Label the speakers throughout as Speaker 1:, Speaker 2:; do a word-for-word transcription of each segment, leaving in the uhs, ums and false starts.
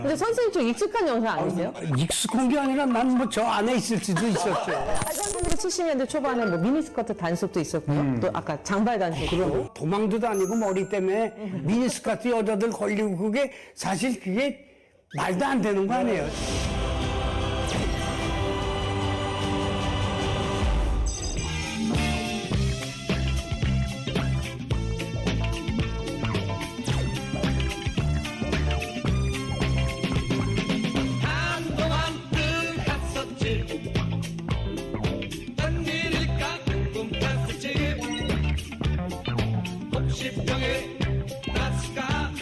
Speaker 1: 근데 선생님 좀 익숙한 영상 아니세요?
Speaker 2: 익숙한 게 아니라 난 뭐 저 안에 있을 수도 있었죠.
Speaker 1: 천구백칠십 년대 초반에 뭐 미니스커트 단속도 있었고요. 또 아까 장발 단속도.
Speaker 2: 그럼 도망도 다니고 머리 때문에 미니스커트 여자들 걸리고 그게 사실 그게 말도 안 되는 거 아니에요.
Speaker 3: 한동안 늘 했었지 웬일일까 궁금했었지 혹시 병에 났을까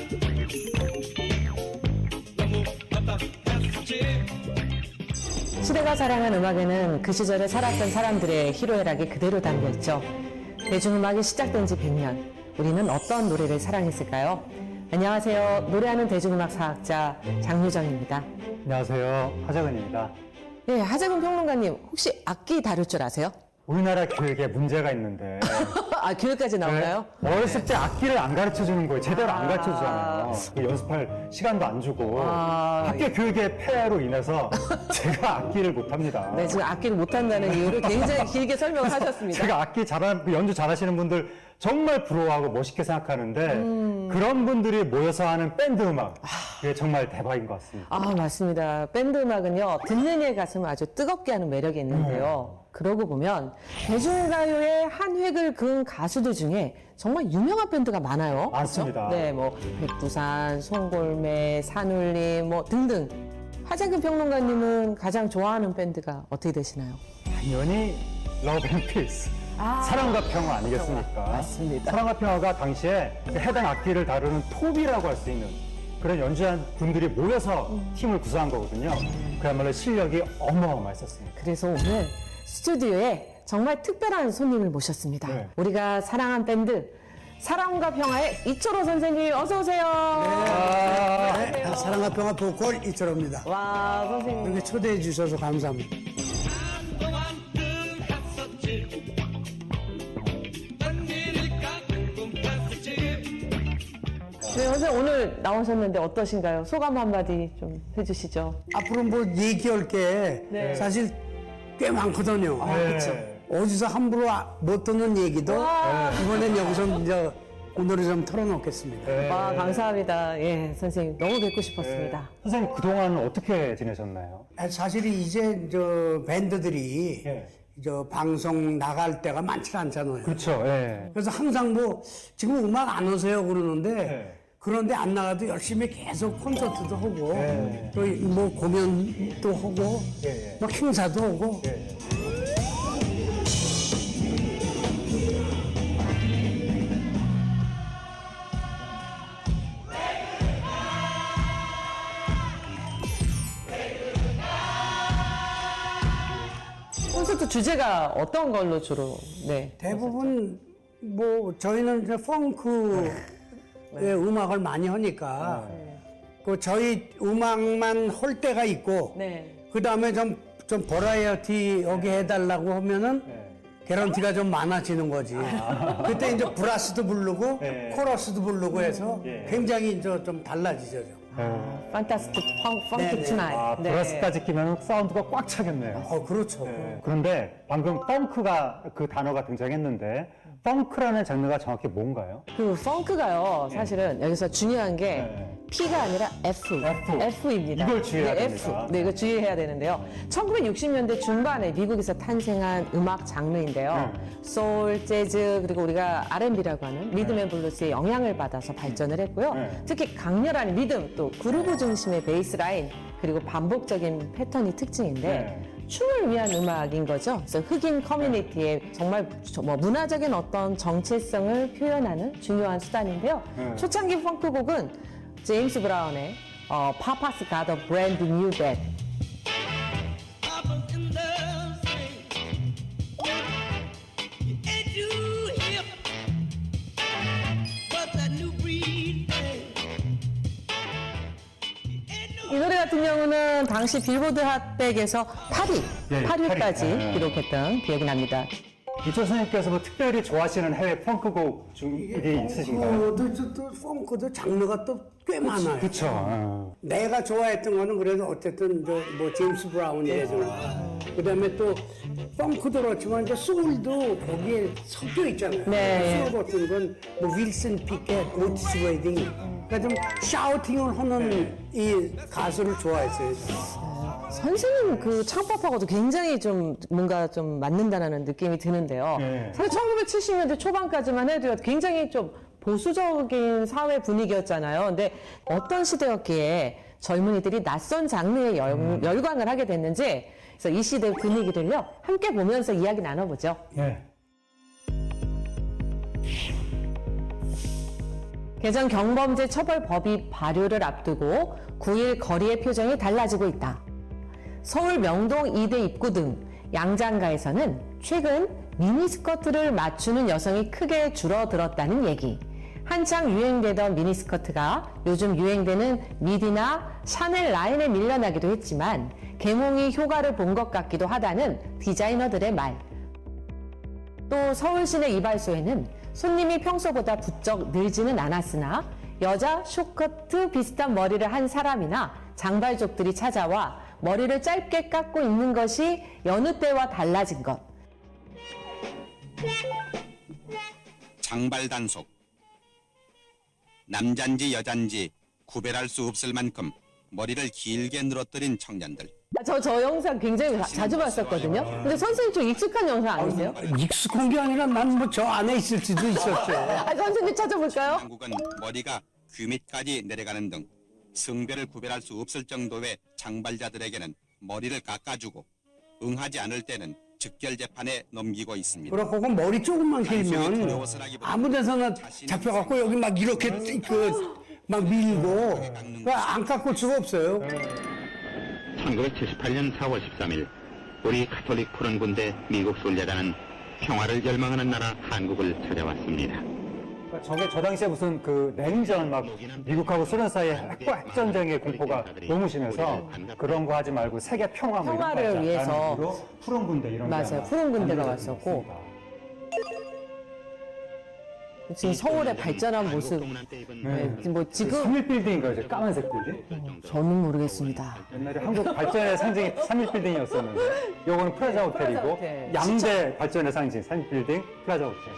Speaker 3: 너무 답답했었지
Speaker 1: 시대가 사랑한 음악에는 그 시절에 살았던 사람들의 희로애락이 그대로 담겨있죠. 대중음악이 시작된 지 백 년. 우리는 어떤 노래를 사랑했을까요? 안녕하세요. 노래하는 대중음악 사학자 장유정입니다.
Speaker 4: 안녕하세요. 하정은입니다.
Speaker 1: 네, 하재근 평론가님, 혹시 악기 다룰 줄 아세요?
Speaker 4: 우리나라 교육에 문제가 있는데
Speaker 1: 아, 교육까지 나오나요?
Speaker 4: 네? 어렸을 때 악기를 안 가르쳐 주는 거예요. 제대로 안 가르쳐 주잖아요. 그 연습할 시간도 안 주고
Speaker 1: 아,
Speaker 4: 학교 교육의 폐해로 인해서 제가 악기를 못 합니다.
Speaker 1: 네, 지금 악기를 못한다는 이유를 굉장히 길게 설명을 하셨습니다.
Speaker 4: 제가 악기 잘하는 연주 잘하시는 분들 정말 부러워하고 멋있게 생각하는데
Speaker 1: 음.
Speaker 4: 그런 분들이 모여서 하는 밴드 음악 그게 정말 대박인 것 같습니다.
Speaker 1: 아, 맞습니다. 밴드 음악은요, 듣는 이의 가슴을 아주 뜨겁게 하는 매력이 있는데요. 그러고 보면 대중가요의 한 획을 그은 가수들 중에 정말 유명한 밴드가 많아요.
Speaker 4: 많습니다.
Speaker 1: 그렇죠? 네, 뭐 백두산, 송골매, 산울림 뭐 등등. 하재근 평론가님은 가장 좋아하는 밴드가 어떻게 되시나요?
Speaker 4: 당연히 러브 앤 피스.
Speaker 1: 아,
Speaker 4: 사랑과 평화 아니겠습니까?
Speaker 1: 맞습니다.
Speaker 4: 사랑과 평화가 당시에 해당 악기를 다루는 톱이라고 할 수 있는 그런 연주한 분들이 모여서
Speaker 1: 음.
Speaker 4: 팀을 구성한 거거든요. 그야말로 실력이 어마어마했었습니다.
Speaker 1: 그래서 오늘 스튜디오에 정말 특별한 손님을 모셨습니다.
Speaker 4: 네.
Speaker 1: 우리가 사랑한 밴드 사랑과 평화의 이철호 선생님 어서 오세요.
Speaker 2: 네, 사랑과 평화 보컬 이철호입니다.
Speaker 1: 와, 선생님.
Speaker 2: 이렇게 초대해 주셔서 감사합니다.
Speaker 3: 한동안 늘 했었지 웬일일까 궁금했었지
Speaker 1: 네, 선생님 오늘 나오셨는데 어떠신가요? 소감 한마디 좀 해주시죠.
Speaker 2: 앞으로 뭐 얘기할 게
Speaker 1: 네.
Speaker 2: 사실 꽤 많거든요.
Speaker 4: 네.
Speaker 2: 어디서 함부로 아- 못 듣는 얘기도
Speaker 1: 와.
Speaker 2: 이번엔 여기서 이제 오늘은 좀 털어놓겠습니다.
Speaker 4: 네.
Speaker 1: 와, 감사합니다. 예, 선생님 너무 뵙고 싶었습니다.
Speaker 4: 선생님 그동안 어떻게 지내셨나요?
Speaker 2: 아, 사실이 이제 저 밴드들이
Speaker 4: 예.
Speaker 2: 저 방송 나갈 때가 많지 않잖아요.
Speaker 4: 그렇죠. 예.
Speaker 2: 그래서 항상 뭐 지금 음악 안 오세요 그러는데
Speaker 4: 네.
Speaker 2: 그런데 안 나가도 열심히 계속 콘서트도 하고
Speaker 4: 네.
Speaker 2: 또 뭐 공연도 하고
Speaker 4: 예, 예.
Speaker 2: 뭐 행사도 하고
Speaker 4: 예.
Speaker 1: 콘서트 주제가 어떤 걸로 주로? 네.
Speaker 2: 대부분 뭐 저희는 이제 펑크의 음악을 많이 하니까 그 저희 음악만 할 때가 있고
Speaker 1: 네.
Speaker 2: 그 다음에 좀 좀 버라이어티 여기 해달라고 하면은
Speaker 4: 네.
Speaker 2: 개런티가 좀 많아지는 거지. 그때 이제 브라스도 부르고
Speaker 4: 네.
Speaker 2: 코러스도 부르고 해서
Speaker 4: 예.
Speaker 2: 굉장히 이제 좀 달라지죠. 좀.
Speaker 4: 예.
Speaker 1: 판타스틱 펑,
Speaker 2: 네,
Speaker 1: 펑키
Speaker 2: 네.
Speaker 1: 투나잇.
Speaker 4: 아, 브라스까지 끼면 사운드가 꽉 차겠네요.
Speaker 2: 어, 그렇죠.
Speaker 4: 네. 그런데 방금 펑크가 그 단어가 등장했는데 펑크라는 장르가 정확히 뭔가요?
Speaker 1: 그 펑크가요, 사실은 여기서 중요한 게
Speaker 4: 네.
Speaker 1: P가 아니라 F,
Speaker 4: F.
Speaker 1: F입니다.
Speaker 4: 이걸 주의해야
Speaker 1: 네,
Speaker 4: 됩니다.
Speaker 1: F. 네, 이거 주의해야 되는데요. 천구백육십 년대 중반에 미국에서 탄생한 음악 장르인데요.
Speaker 4: 네.
Speaker 1: 소울, 재즈, 그리고 우리가 알앤비라고 하는 리듬 앤 블루스의 영향을 받아서 발전을 했고요.
Speaker 4: 네.
Speaker 1: 특히 강렬한 리듬, 또 그루브 중심의 베이스 라인, 그리고 반복적인 패턴이 특징인데
Speaker 4: 네.
Speaker 1: 춤을 위한 음악인 거죠. 그래서 흑인 커뮤니티의 정말 저- 뭐 문화적인 어떤 정체성을 표현하는 중요한 수단인데요.
Speaker 4: 네.
Speaker 1: 초창기 펑크곡은 제임스 브라운의 어, Papa's Got a Brand New Bag.
Speaker 3: Up in the sing. You ain't too hip, but that new breed thing. You ain't no
Speaker 1: 이 노래 같은 경우는 당시 빌보드 핫백에서 팔 위,
Speaker 4: 예,
Speaker 1: 팔 위까지
Speaker 4: 팔 위. 예.
Speaker 1: 기록했던 기억이 납니다.
Speaker 4: 이철 선생님께서 뭐 특별히 좋아하시는 해외 펑크곡 중이 있으신가요?
Speaker 2: 펑크도 또, 또 펑크도 장르가 또 꽤 많아요.
Speaker 4: 그쵸. 어.
Speaker 2: 내가 좋아했던 거는 그래도 어쨌든 저 뭐 제임스 브라운이라든가 그다음에 또 펑크도 그렇지만 이제 소울도 거기에 섞여 있잖아요.
Speaker 1: 네.
Speaker 2: 소울 같은 건 뭐 윌슨 피켓, 오티스 웨딩 그러니까 좀 샤우팅을 하는 이 가수를 좋아했어요.
Speaker 1: 선생님 그 창법하고도 굉장히 좀 뭔가 좀 맞는다는 느낌이 드는데요.
Speaker 4: 네.
Speaker 1: 사실 천구백칠십 년대 초반까지만 해도 굉장히 좀 보수적인 사회 분위기였잖아요. 근데 어떤 시대였기에 젊은이들이 낯선 장르에 열, 열광을 하게 됐는지 그래서 이 시대 분위기를요 함께 보면서 이야기 나눠보죠.
Speaker 4: 네.
Speaker 1: 개정 경범죄 처벌법이 발효를 앞두고 구일 거리의 표정이 달라지고 있다. 서울 명동 이대 입구 등 양장가에서는 최근 미니스커트를 맞추는 여성이 크게 줄어들었다는 얘기. 한창 유행되던 미니스커트가 요즘 유행되는 미디나 샤넬 라인에 밀려나기도 했지만 계몽이 효과를 본 것 같기도 하다는 디자이너들의 말. 또 서울시내 이발소에는 손님이 평소보다 부쩍 늘지는 않았으나 여자 숏커트 비슷한 머리를 한 사람이나 장발족들이 찾아와 머리를 짧게 깎고 있는 것이 여느 때와 달라진 것.
Speaker 5: 장발 단속. 남잔지 여잔지 구별할 수 없을 만큼 머리를 길게 늘어뜨린 청년들.
Speaker 1: 저, 저 영상 굉장히 자- 자주 봤었거든요. 근데 선생님 좀 익숙한 영상 아니세요?
Speaker 2: 익숙한 게 아니라 난 뭐 저 안에 있을 수도 있었죠.
Speaker 1: 아, 선생님 찾아볼까요?
Speaker 5: 한국은 머리가 귀 밑까지 내려가는 등 성별을 구별할 수 없을 정도의 장발자들에게는 머리를 깎아주고 응하지 않을 때는 즉결 재판에 넘기고 있습니다.
Speaker 2: 그렇고 그 머리 조금만 길면 아무 데서나 잡혀갖고 여기 막 이렇게 그 막 밀고 그안 깎을 수가 없어요.
Speaker 6: 천구백칠십팔 년 사월 십삼일 우리 가톨릭 푸른 군대 미국 순례단은 평화를 열망하는 나라 한국을 찾아왔습니다.
Speaker 4: 그러니까 저게 저 당시에 무슨 그 냉전 막 미국하고 소련 사이에 핵과 핵전쟁의 공포가 너무 심해서 그런 거 하지 말고 세계 평화 뭐 이런 거
Speaker 1: 평화를
Speaker 4: 하자.
Speaker 1: 위해서.
Speaker 4: 라는 의미로 푸른 군대 이런 게
Speaker 1: 맞아요.
Speaker 4: 아마
Speaker 1: 푸른 군대가
Speaker 4: 만들어진
Speaker 1: 왔었고.
Speaker 4: 것 같습니다.
Speaker 1: 지금 서울의 발전한 모습. 네, 뭐 지금
Speaker 4: 삼일 빌딩인가요? 저 까만색 빌딩?
Speaker 1: 저는 모르겠습니다.
Speaker 4: 옛날에 한국 발전의 상징이 삼일 빌딩이었었는데 요거는 프라자 호텔이고
Speaker 1: 호텔.
Speaker 4: 양대 발전의 상징 삼일 빌딩 프라자 호텔.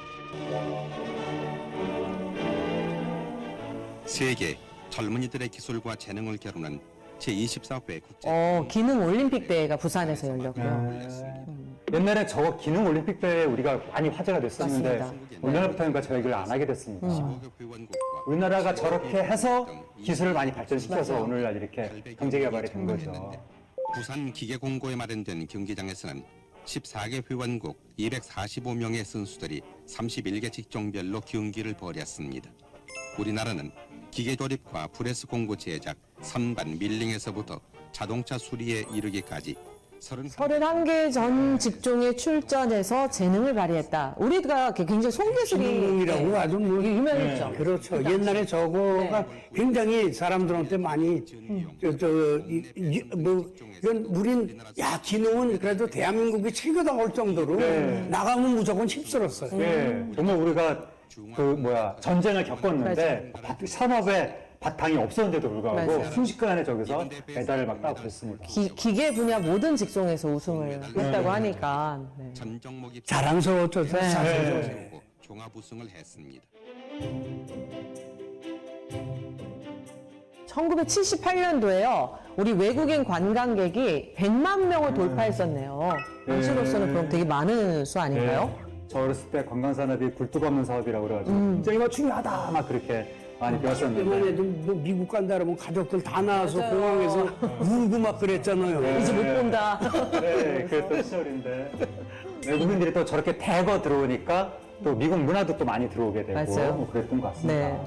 Speaker 5: 세계 젊은이들의 기술과 재능을 겨루는 제이십사 회 국제
Speaker 1: 어, 기능 올림픽 대회가 부산에서 열렸고요.
Speaker 4: 옛날에 저 기능 올림픽 대회 우리가 많이 화제가 됐었는데
Speaker 1: 맞습니다.
Speaker 4: 우리나라부터는 저 얘기를 안 하게 됐습니다.
Speaker 5: 회원국과
Speaker 4: 우리나라가 저렇게 해서 기술을 많이 발전시켜서
Speaker 1: 맞아요.
Speaker 4: 오늘날 이렇게 경제 개발이 된 거죠.
Speaker 5: 부산 기계공고에 마련된 경기장에서는 십사 개 회원국 이백사십오 명의 선수들이 삼십일 개 직종별로 경기를 벌였습니다. 우리나라는 기계 조립과 프레스 공구 제작, 선반 밀링에서부터 자동차 수리에 이르기까지
Speaker 1: 서른한 개 전 직종에 출전해서 재능을 발휘했다. 우리가 굉장히 손기술이
Speaker 2: 기능이라고
Speaker 1: 네,
Speaker 2: 아주 뭐
Speaker 1: 유명했죠.
Speaker 2: 그렇죠. 옛날에 저거가 굉장히 사람들한테 많이 저, 저, 이, 이, 뭐 이건 우린 야 기능은 그래도 대한민국이 최고다 할 정도로 나가면 무조건 힘들었어요.
Speaker 4: 예, 정말 우리가 그 뭐야 전쟁을 겪었는데 바- 산업에 바탕이 없었는데도 불구하고
Speaker 1: 맞아요.
Speaker 4: 순식간에 저기서 메달을 막 따고 그랬습니다.
Speaker 1: 기, 기계 분야 모든 직종에서 우승을 했다고 하니까. 네.
Speaker 5: 전 종목이
Speaker 2: 자랑스러웠죠.
Speaker 1: 네.
Speaker 2: 사실.
Speaker 5: 세우고 종합 우승을 했습니다.
Speaker 1: 천구백칠십팔 년도에요. 우리 외국인 관광객이 백만 명을 돌파했었네요. 당시로서는 그럼 되게 많은 수 아닌가요?
Speaker 4: 예, 저 어렸을 때 관광산업이 굴뚝 없는 사업이라고 그래가지고 굉장히 뭐 중요하다 막 그렇게 많이 배웠었는데
Speaker 2: 이번에도 뭐 미국 간다 그러면 가족들 다 나와서 공항에서 울고 막 그랬잖아요.
Speaker 1: 이제 못 본다.
Speaker 4: 네, 그랬던 시절인데 외국인들이 또 저렇게 대거 들어오니까 또 미국 문화도 또 많이 들어오게 되고
Speaker 1: 맞아요.
Speaker 4: 뭐 그랬던 것 같습니다.
Speaker 1: 네.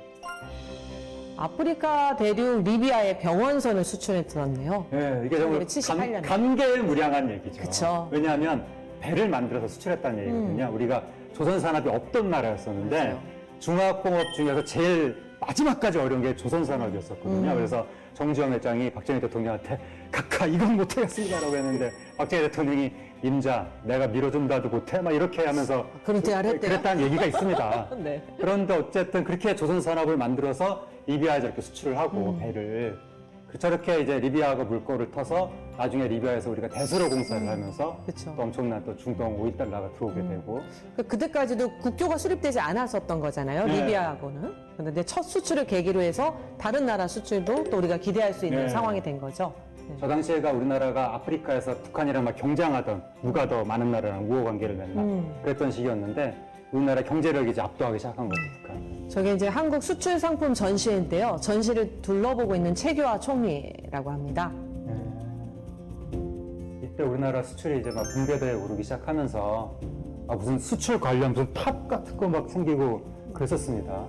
Speaker 1: 아프리카 대륙 리비아에 병원선을 수출했더라네요.
Speaker 4: 네, 이게 정말
Speaker 1: 칠십팔 년에.
Speaker 4: 감, 감개무량한 얘기죠.
Speaker 1: 그쵸.
Speaker 4: 왜냐하면 배를 만들어서 수출했다는 얘기거든요. 우리가 조선 산업이 없던 나라였었는데
Speaker 1: 음. 맞아요.
Speaker 4: 중화공업 중에서 제일 마지막까지 어려운 게 조선 산업이었었거든요.
Speaker 1: 음.
Speaker 4: 그래서 정주영 회장이 박정희 대통령한테 각하 이건 못하겠습니다라고 했는데 박정희 대통령이 임자 내가 밀어준다도 못해 막 이렇게 하면서
Speaker 1: 그런 대화를 했대요?
Speaker 4: 그랬다는 얘기가 있습니다.
Speaker 1: 네.
Speaker 4: 그런데 어쨌든 그렇게 조선 산업을 만들어서 리비아에 저렇게 수출을 하고
Speaker 1: 음.
Speaker 4: 배를 그 저렇게 이제 리비아가 물꼬를 터서 나중에 리비아에서 우리가 대수로 공사를 하면서
Speaker 1: 음. 그쵸. 음.
Speaker 4: 또 엄청난 또 중동 오일 달러가 들어오게 되고
Speaker 1: 그 그때까지도 국교가 수립되지 않았었던 거잖아요.
Speaker 4: 네.
Speaker 1: 리비아하고는. 그런데 첫 수출을 계기로 해서 다른 나라 수출도 또 우리가 기대할 수 있는
Speaker 4: 네.
Speaker 1: 상황이 된 거죠. 네.
Speaker 4: 저 당시에가 우리나라가 아프리카에서 북한이랑 막 경쟁하던 누가 더 많은 나라랑 우호 관계를 맺나
Speaker 1: 음.
Speaker 4: 그랬던 시기였는데 우리나라 경제력이 이제 압도하기 시작한 거죠. 북한.
Speaker 1: 저게 이제 한국 수출 상품 전시회인데요. 전시를 둘러보고 있는 최규하 총리라고 합니다.
Speaker 4: 이때 우리나라 수출이 이제 막 붕괴대에 오르기 시작하면서 아, 무슨 수출 관련 무슨 탑 같은 거 막 생기고 그랬었습니다.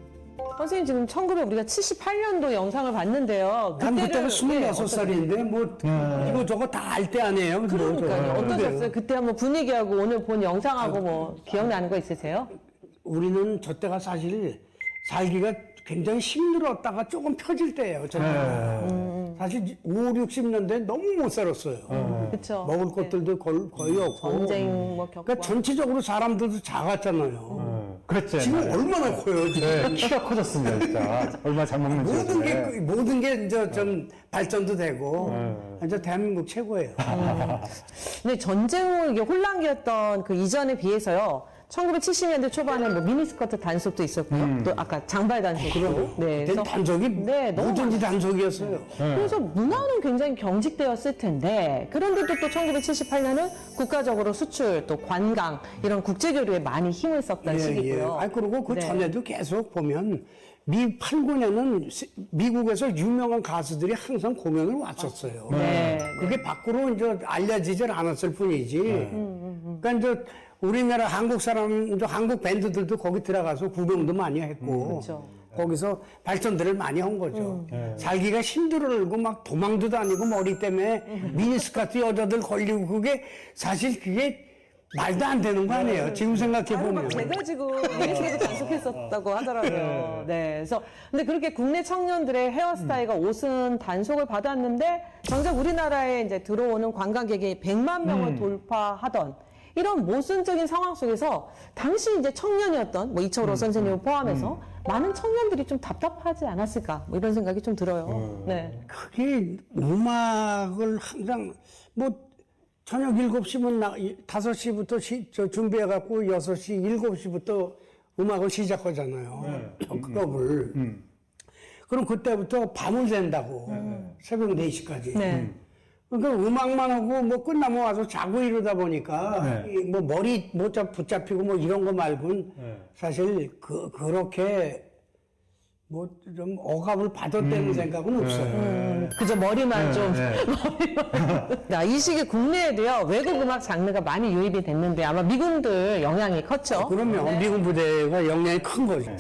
Speaker 1: 선생님 지금 천구백 우리가 칠십팔 년도 영상을 봤는데요.
Speaker 2: 난 그때가
Speaker 1: 예,
Speaker 2: 스물여섯
Speaker 1: 어떠-
Speaker 2: 살인데 뭐 이거 저거 다 알 때 아니에요.
Speaker 1: 그러니까요.
Speaker 2: 뭐,
Speaker 1: 어떠셨어요? 그때 한번 분위기하고 오늘 본 영상하고 뭐 기억나는 거 있으세요?
Speaker 2: 우리는 저 때가 사실 살기가 굉장히 힘들었다가 조금 펴질 때예요. 저 때가. 사실 오, 육십 년대 너무 못 살았어요.
Speaker 1: 그렇죠.
Speaker 2: 먹을 것들도 거- 거의 없고.
Speaker 1: 전쟁 뭐 겪고.
Speaker 2: 그러니까 전체적으로 사람들도 작았잖아요.
Speaker 4: 그랬지.
Speaker 2: 지금
Speaker 4: 옛날에.
Speaker 2: 얼마나 커요, 지금.
Speaker 4: 네, 키가 커졌습니다, 진짜. 얼마 잘 먹는지.
Speaker 2: 모든 게,
Speaker 4: 요즘에.
Speaker 2: 모든 게 이제 좀 발전도 되고, 이제 대한민국 최고예요.
Speaker 1: 근데 전쟁 이게 혼란기였던 그 이전에 비해서요. 천구백칠십 년대 초반에 뭐 미니스커트 단속도 있었고요. 또 아까 장발 단속도. 네.
Speaker 2: 그땐 단속이
Speaker 1: 네, 너무
Speaker 2: 뭐든지 단속이었어요.
Speaker 1: 그래서 문화는 굉장히 경직되었을 텐데 그런데도 또 천구백칠십팔 년은 국가적으로 수출 또 관광 이런 국제교류에 많이 힘을 썼던 시기고요.
Speaker 2: 아, 그리고 그
Speaker 1: 네.
Speaker 2: 전에도 계속 보면 미 팔, 구 년은 미국에서 유명한 가수들이 항상 공연을 왔었어요.
Speaker 1: 네.
Speaker 2: 그게 밖으로 이제 알려지질 않았을 뿐이지. 그러니까 이제 우리나라 한국 사람도 한국 밴드들도 거기 들어가서 구경도 많이 했고
Speaker 1: 그렇죠.
Speaker 2: 거기서 발전들을 많이 한 거죠. 살기가 힘들고 막 도망도 다니고 머리 때문에 미니스커트 여자들 걸리고 그게 사실 그게 말도 안 되는 거 아니에요. 지금 생각해
Speaker 1: 아유,
Speaker 2: 보면.
Speaker 1: 막 돼가지고 미니스커트 단속했었다고 하더라고요. 네. 그래서 근데 그렇게 국내 청년들의 헤어스타일과 옷은 단속을 받았는데 정작 우리나라에 이제 들어오는 관광객이 백만 명을 돌파하던 이런 모순적인 상황 속에서 당시 이제 청년이었던 뭐 이철호 선생님을 포함해서 많은 청년들이 좀 답답하지 않았을까 뭐 이런 생각이 좀 들어요. 네.
Speaker 2: 그게 음악을 항상 뭐 저녁 일곱 시면 나, 다섯 시부터 시, 저 준비해갖고 여섯 시, 일곱 시부터 음악을 시작하잖아요. 클럽을. 그럼 그때부터 밤을 샌다고. 새벽 네 시까지.
Speaker 1: 네.
Speaker 2: 그러니까 음악만 하고 뭐 끝나면 와서 자고 이러다 보니까 이뭐 머리 못 잡, 붙잡히고 뭐 이런 거 말고는 사실 그, 그렇게 뭐 좀 억압을 받았다는 생각은 없어요.
Speaker 1: 그저 머리만
Speaker 4: 네,
Speaker 1: 좀.
Speaker 4: 네.
Speaker 1: 야, 이 시기 국내에도요, 외국 음악 장르가 많이 유입이 됐는데 아마 미군들 영향이 컸죠.
Speaker 2: 그러면 미군 부대가 영향이 큰 거죠.